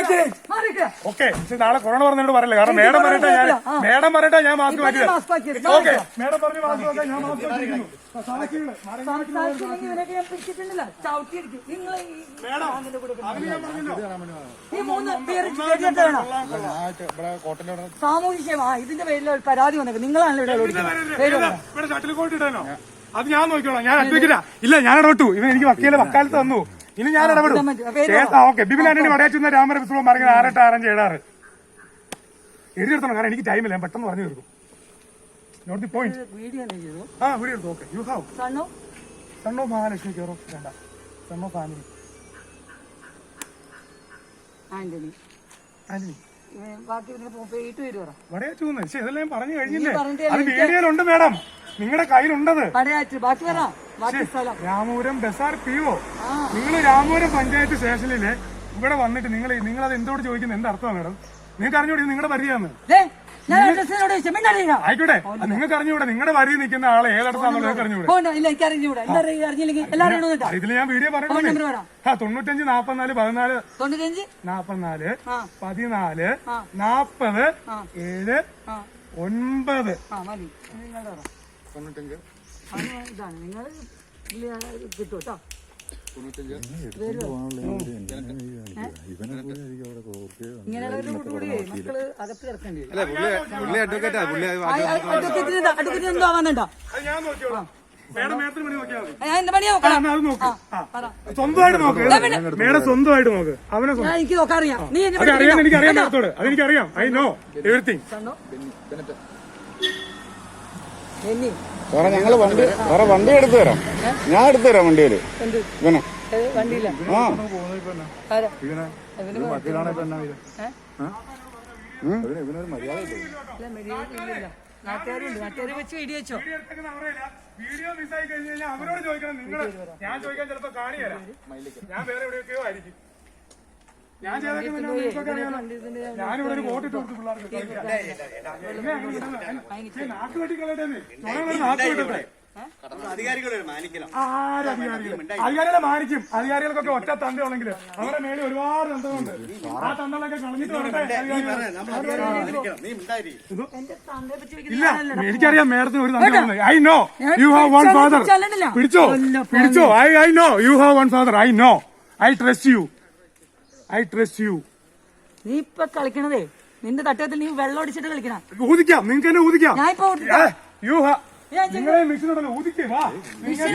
Okay. പക്ഷെ നാളെ corona പറഞ്ഞോട് പറയില്ല. കാരണം മേഡം പറയട്ടെ ഞാൻ മാസ്ക് മാറ്റിയത്. ഓക്കെ, മേഡം പറഞ്ഞ് മാസ്ക് വെക്കാൻ ഞാൻ മാസ്ക് വെച്ചിരിക്കുന്നു. സാമൂഹ്യ ഇതിന്റെ പേരിൽ പരാതി വന്നേക്കും. നിങ്ങളാണല്ലോ ഇവിടെ ഷട്ടിൽ കോട്ട് ഇടാനോ? അത് ഞാൻ നോക്കിക്കോളാം. ഞാൻ അഡ്വക്കേറ്റാ. ഇല്ല, ഞാൻ ഇടപെട്ടു. ഇവൻ എനിക്ക് വക്കാലത്ത് തന്നു. ഇനി ഞാൻ ഇടപെടും. ഓക്കെ. ബിബിൻ ആന്റണി വടയാറ്റുന്ന രാമര വിശ്വം പറഞ്ഞത് 6-8-6-5-7-6 എഴുതിയെടുത്തണം. കാരണം എനിക്ക് ടൈമില്ല, ഞാൻ പെട്ടെന്ന് പറഞ്ഞു തീർക്കും. Note the point. വീഡിയോ എടുത്തു. Okay. You have son of Mahalakshmi care of വേണ്ട, സൺ ഓഫ് ഫാമിലി ആന്റണി വടയാറ്റൂന്ന്. പക്ഷെ ഇതെല്ലാം ഞാൻ പറഞ്ഞു കഴിഞ്ഞില്ലേ? അത് വീഡിയോയിലുണ്ട് മേഡം, നിങ്ങളുടെ കയ്യിലുണ്ടത്. രാമപുരം ബസാർ PO. നിങ്ങൾ രാമപുരം പഞ്ചായത്ത് സ്റ്റേഷനില് ഇവിടെ വന്നിട്ട് നിങ്ങളത് എന്തോട് ചോദിക്കുന്നത്? എന്താ അർത്ഥമാണ് മേഡം? നിങ്ങൾക്ക് അറിഞ്ഞൂടെ നിങ്ങളുടെ വരിയാന്ന്? ആയിക്കോട്ടെ, നിങ്ങൾക്ക് അറിഞ്ഞൂടെ നിങ്ങളുടെ വരി നിൽക്കുന്ന ആളെ ഏതടത്താണെന്നുള്ളത് നിങ്ങൾക്ക് അറിഞ്ഞൂടെ? ഇതിൽ ഞാൻ വീഡിയോ പറഞ്ഞു. 95 44 14 44 14 40 7 9 കിട്ടൂട്ടോ. ഇങ്ങനെയുള്ള മക്കള് അകത്ത് കിടക്കേണ്ടി വരും. അഡ്വക്കേറ്റിന് എന്തോ ആവാനുണ്ടോ? സ്വന്തമായിട്ട് നോക്ക് മേഡം, സ്വന്തമായിട്ട് നോക്ക്. അവനെ എനിക്ക് നോക്കാറിയാം. നീ എനിക്കറിയാം മേഡത്തോട്, അതെനിക്കറിയാം. I know everything. സാറേ ഞങ്ങള് വണ്ടി എടുത്തു തരാം. ഞാൻ എടുത്തു തരാം വണ്ടിയില്. ഇവനെ വണ്ടിയില്ല. ഇവനൊരു മര്യാദ നാട്ടുകാരെ വെച്ച് വീഡിയോ വെച്ചോ. വീഡിയോ മിസ്സായി കഴിഞ്ഞ് കഴിഞ്ഞാൽ അവരോട് ചോദിക്കണം. നിങ്ങൾ ഞാൻ ചോദിക്കാൻ ചിലപ്പോ കാണിയല്ല, ഞാൻ വേറെ എവിടെയൊക്കെയോ ആയിരിക്കും. ഞാൻ ഞാനിവിടെ ഒരു വോട്ടിട്ട് കൊടുത്തു പിള്ളേർക്ക്. നാക്ക് വെട്ടിക്കളട്ടെ, നാക്ക് വെട്ടട്ടെ. അധികാരികളെ മാനിക്കും. അധികാരികൾക്കൊക്കെ ഒറ്റ തന്തയുണ്ടെങ്കിൽ അവരുടെ മേളിൽ ഒരുപാട് തന്തകളുണ്ട്. ആ തന്തകളൊക്കെ കളഞ്ഞിട്ട് വരട്ടെ. ഇല്ല, എനിക്കറിയാം മേഡത്തിന് ഒരു തന്തയുണ്ട്. I know you have one father. പിടിച്ചോ. I know you have one father. I know. I trust you. നീ ഇപ്പൊ കളിക്കണതേ നിന്റെ തട്ടത്തിൽ നീ വെള്ളം അടിച്ചിട്ട് കളിക്കണം. ഊതിക്കാം, നിങ്ങൾക്ക് തന്നെ ഊതിക്കാം. ഞാൻ ഇപ്പൊ നിങ്ങളെ മിഷനുണ്ടല്ലോ, ഊതിക്കേ വാ.